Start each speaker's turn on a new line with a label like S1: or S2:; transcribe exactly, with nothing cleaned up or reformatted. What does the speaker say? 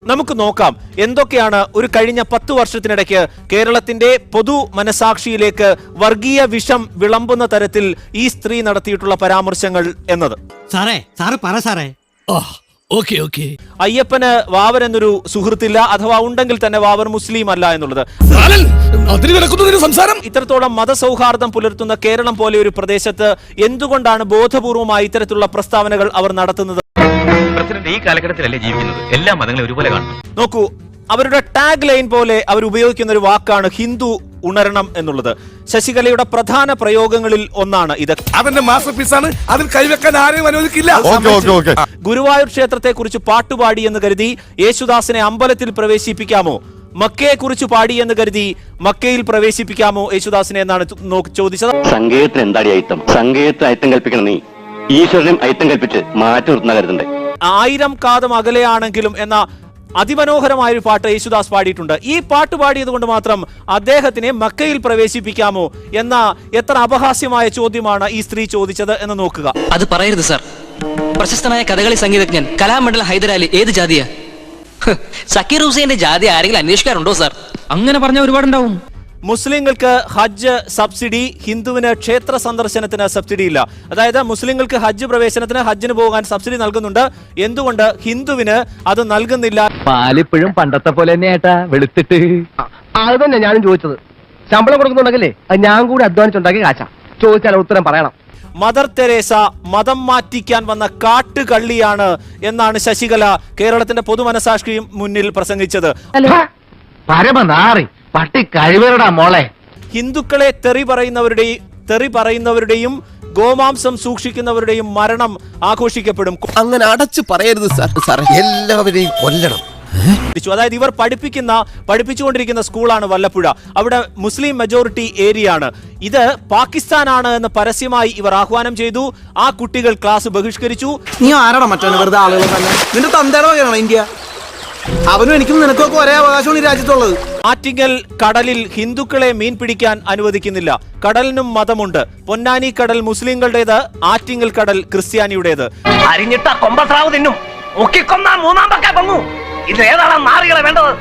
S1: നമുക്ക് നോക്കാം എന്തൊക്കെയാണ് ഒരു കഴിഞ്ഞ പത്തു വർഷത്തിനിടയ്ക്ക് കേരളത്തിന്റെ പൊതു മനസാക്ഷിയിലേക്ക് വർഗീയ വിഷം വിളമ്പുന്ന തരത്തിൽ ഈ സ്ത്രീ നടത്തിയിട്ടുള്ള പരാമർശങ്ങൾ എന്നത്.
S2: സാറേ സാറ് പറ സാറേ.
S1: അയ്യപ്പന് വാവർ എന്നൊരു സുഹൃത്തില്ല, അഥവാ ഉണ്ടെങ്കിൽ തന്നെ വാവർ മുസ്ലിം അല്ല എന്നുള്ളത്. ഇത്രത്തോളം മതസൗഹാർദ്ദം പുലർത്തുന്ന കേരളം പോലെ ഒരു പ്രദേശത്ത് എന്തുകൊണ്ടാണ് ബോധപൂർവമായി ഇത്തരത്തിലുള്ള പ്രസ്താവനകൾ അവർ നടത്തുന്നത്?
S3: പ്രസിഡന്റ് ഈ കാലഘട്ടത്തിലല്ലേ ജീവിക്കുന്നത്, എല്ലാ മതങ്ങളെ ഒരുപോലെ കാണുന്നു.
S1: നോക്കൂ, അവരുടെ ടാഗ് ലൈൻ പോലെ അവർ ഉപയോഗിക്കുന്ന ഒരു വാക്കാണ് ഹിന്ദു ഉണരണം എന്നുള്ളത്. ശശികലയുടെ പ്രധാന പ്രയോഗങ്ങളിൽ ഒന്നാണ് ഇത്.
S4: അവന്റെ മാസ്റ്റർ പീസാണ്, അതിൽ കൈവെക്കാൻ ആരെയും അനുവദിക്കില്ല.
S1: ഗുരുവായൂർ ക്ഷേത്രത്തെ കുറിച്ച് പാട്ടുപാടി എന്ന് കരുതി യേശുദാസിനെ അമ്പലത്തിൽ പ്രവേശിപ്പിക്കാമോ? മക്കയെ കുറിച്ച് പാടി എന്ന് കരുതി മക്കയിൽ പ്രവേശിപ്പിക്കാമോ യേശുദാസിനെ എന്നാണ് ചോദിച്ചത്.
S5: സംഗീതത്തിന് എന്താടി അയിത്തം? സംഗീതത്തിന് അയിത്തം കൽപ്പിക്കണം നീ, ഈശ്വരനും അയിത്തം കൽപ്പിച്ച് മാറ്റി നിർത്തുന്ന കരുതണ്ടേ.
S1: ആയിരം കാതം അകലെയാണെങ്കിലും എന്ന അതിമനോഹരമായ ഒരു പാട്ട് യേശുദാസ് പാടിയിട്ടുണ്ട്. ഈ പാട്ട് പാടിയത് കൊണ്ട് മാത്രം അദ്ദേഹത്തിനെ മക്കയിൽ പ്രവേശിപ്പിക്കാമോ എന്ന എത്ര അപഹാസ്യമായ ചോദ്യമാണ് ഈ സ്ത്രീ ചോദിച്ചത് എന്ന് നോക്കുക.
S6: അത് പറയരുത് സാർ. പ്രശസ്തനായ കഥകളി സംഗീതജ്ഞൻ കലാമണ്ഡലം ഹൈദരാലി ഏത് ജാതിയാ? സക്കീർ ഹുസൈന്റെ ജാതി ആരെങ്കിലും അന്വേഷിക്കാറുണ്ടോ സാർ? അങ്ങനെ പറഞ്ഞ ഒരുപാടുണ്ടാവും.
S1: മുസ്ലിങ്ങൾക്ക് ഹജ്ജ് സബ്സിഡി, ഹിന്ദുവിന് ക്ഷേത്ര സന്ദർശനത്തിന് സബ്സിഡി ഇല്ല. അതായത് മുസ്ലിങ്ങൾക്ക് ഹജ്ജ് പ്രവേശനത്തിന് ഹജ്ജിന് പോകാൻ സബ്സിഡി നൽകുന്നുണ്ട്, എന്തുകൊണ്ട് ഹിന്ദുവിന് അത് നൽകുന്നില്ല?
S7: പാലിപ്പോഴും പണ്ടത്തെ പോലെ തന്നെ ഏട്ടാ വെളുത്തിട്ട്.
S8: അത് തന്നെ ഞാനും ചോദിച്ചത്. ശമ്പളം കൊടുക്കുന്നുണ്ടെങ്കിലേ ഞാൻ കൂടി അധ്വാനിച്ചുണ്ടാക്കി കാശ. ചോദിച്ചാൽ ഉത്തരം പറയണം.
S1: മദർ തെരേസ മതം മാറ്റിക്കാൻ വന്ന കാട്ടുകള്ളിയാണ് എന്നാണ് ശശികല കേരളത്തിന്റെ പൊതുമനസാക്ഷി മുന്നിൽ പ്രസംഗിച്ചത്.
S7: പരമനാറി പട്ടി കഴിവരടാ മോളെ.
S1: ഹിന്ദുക്കളെ തെറി പറയുന്നവരുടെയും തെറി പറയുന്നവരുടെയും ഗോമാംസം സൂക്ഷിക്കുന്നവരുടെയും മരണം ആഘോഷിക്കപ്പെടും.
S4: അങ്ങനെ അടച്ചു പറയരുത് സാർ. സാറേ എല്ലാവരെയും കൊല്ലണം.
S1: അതായത് ഇവർ പഠിപ്പിക്കുന്ന പഠിപ്പിച്ചുകൊണ്ടിരിക്കുന്ന സ്കൂളാണ് വല്ലപ്പുഴ. അവിടെ മുസ്ലിം മെജോറിറ്റി ഏരിയ ആണ്. ഇത് പാകിസ്ഥാനാണ് എന്ന് പരസ്യമായി ഇവർ ആഹ്വാനം ചെയ്തു. ആ കുട്ടികൾ ക്ലാസ് ബഹിഷ്കരിച്ചു.
S9: നീ ആരാണ് മറ്റോ വെറുതെ ആളുകൾ തന്നെ? നിന്റെ തന്തയുടെ വകയാണോ ഇന്ത്യ? അവനും എനിക്കും നിനക്കൊക്കെ ഒരേ അവകാശമാണ് ഈ രാജ്യത്തുള്ളത്.
S1: ആറ്റിങ്ങൽ കടലിൽ ഹിന്ദുക്കളെ മീൻ പിടിക്കാൻ അനുവദിക്കുന്നില്ല. കടലിനും മതമുണ്ട്. പൊന്നാനി കടൽ മുസ്ലിങ്ങളുടേത്, ആറ്റിങ്ങൽ കടൽ ക്രിസ്ത്യാനിയുടേത്.
S3: അരിഞ്ഞിട്ട കൊമ്പസ്രാവ് തിന്നും, മുക്കിക്കൊന്നാ മൂന്നാം പക്ക പൊങ്ങു. ഇത് ഏതാണ് നാറികളെ വേണ്ടത്?